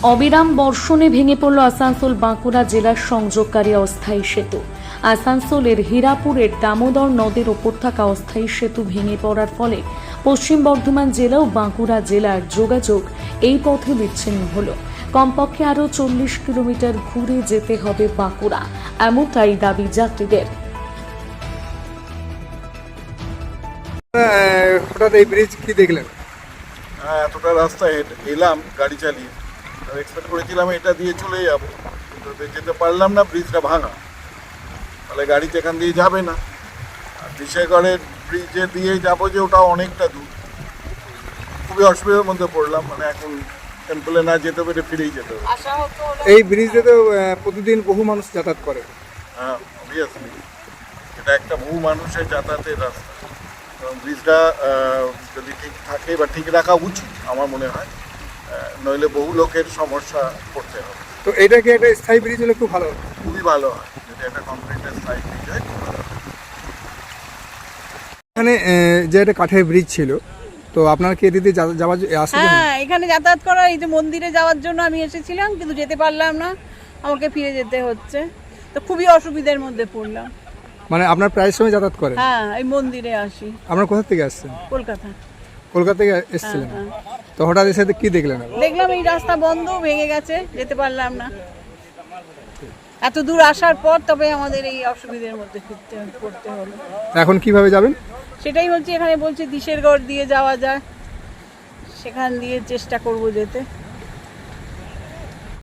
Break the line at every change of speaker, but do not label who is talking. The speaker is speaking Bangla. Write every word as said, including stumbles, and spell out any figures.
অবিরাম বর্ষণে ভেঙে পড়ল আসানসোল বাঁকুড়া জেলার সংযোগকারী অস্থায়ী সেতু। আসানসোলের হীরাপুরের দামোদর নদের ওপর থাকা অস্থায়ী সেতু ভেঙে পড়ার ফলে পশ্চিম বর্ধমান জেলা ও বাঁকুড়া জেলার যোগাযোগ এই পথে বিচ্ছিন্ন হলো। কমপক্ষে আরও চল্লিশ কিলোমিটার ঘুরে যেতে হবে বাঁকুড়া, এমনটাই দাবি যাত্রীদের।
হঠাৎ এই ব্রিজ কি দেখলেন?
হ্যাঁ, এতটা রাস্তা এলাম গাড়ি চালিয়ে, এক্সপেক্ট করেছিলাম এটা দিয়ে চলে যাবো, কিন্তু যেতে পারলাম না, ব্রিজটা ভাঙা, তাহলে গাড়িতে এখান দিয়ে যাবে না। আর বিশেষগড়ের ব্রিজে দিয়ে যাবো যে ওটাও অনেকটা দূর, খুবই অসুবিধার মধ্যে পড়লাম। মানে এখন টেম্পলে না যেতে পেরে ফিরেই যেতে হবে।
এই ব্রিজে তো আহ, প্রতিদিন বহু মানুষ যাতায়াত করে।
হ্যাঁ, অবভিয়াসলি এটা একটা বহু মানুষের যাতায়াতের রাস্তা, এবং ব্রিজটা যদি ঠিক থাকে বা ঠিক রাখা উচিত আমার মনে হয়, নইলে বহু লোকের সমস্যা পড়তে হবে।
তো এটা কি একটা স্থায়ী ব্রিজ হলে খুব ভালো?
খুবই ভালো হয় যদি একটা কংক্রিটের স্থায়ী ব্রিজ হয়, খুব ভালো হয়।
এখানে আহ, যে একটা কাঠের ব্রিজ ছিল, তো আপনার কি এদিকে যা- যাওয়ার আসতে
হ্যাঁ, এখানে যাতায়াত করার এই যে মন্দিরে যাওয়ার জন্য আমি এসেছিলাম, কিন্তু যেতে পারলাম না, আমাকে ফিরে যেতে হচ্ছে। তো খুবই অসুবিধার মধ্যে পড়লাম।
মানে আপনার প্রায় সময় যাতায়াত করেন?
হ্যাঁ, এই মন্দিরে আসি।
আপনার কোথা থেকে আসছেন?
কলকাতা।
কলকাতা থেকে এসেছিলেন?
হ্যাঁ,
তো হঠাৎ এসে কি দেখলেন?
দেখলাম এই রাস্তা বন্ধ, ভেঙে গেছে, যেতে পারলাম না। এত দূর আসার পর তবে আমাদের এই অসুবিধার মধ্যে ফিরতে পড়তে হলো।
এখন কিভাবে যাবেন?
সেটাই বলছি, এখানে বলছে দিশেরগড় দিয়ে যাওয়া যায়, সেখান দিয়ে চেষ্টা করব যেতে।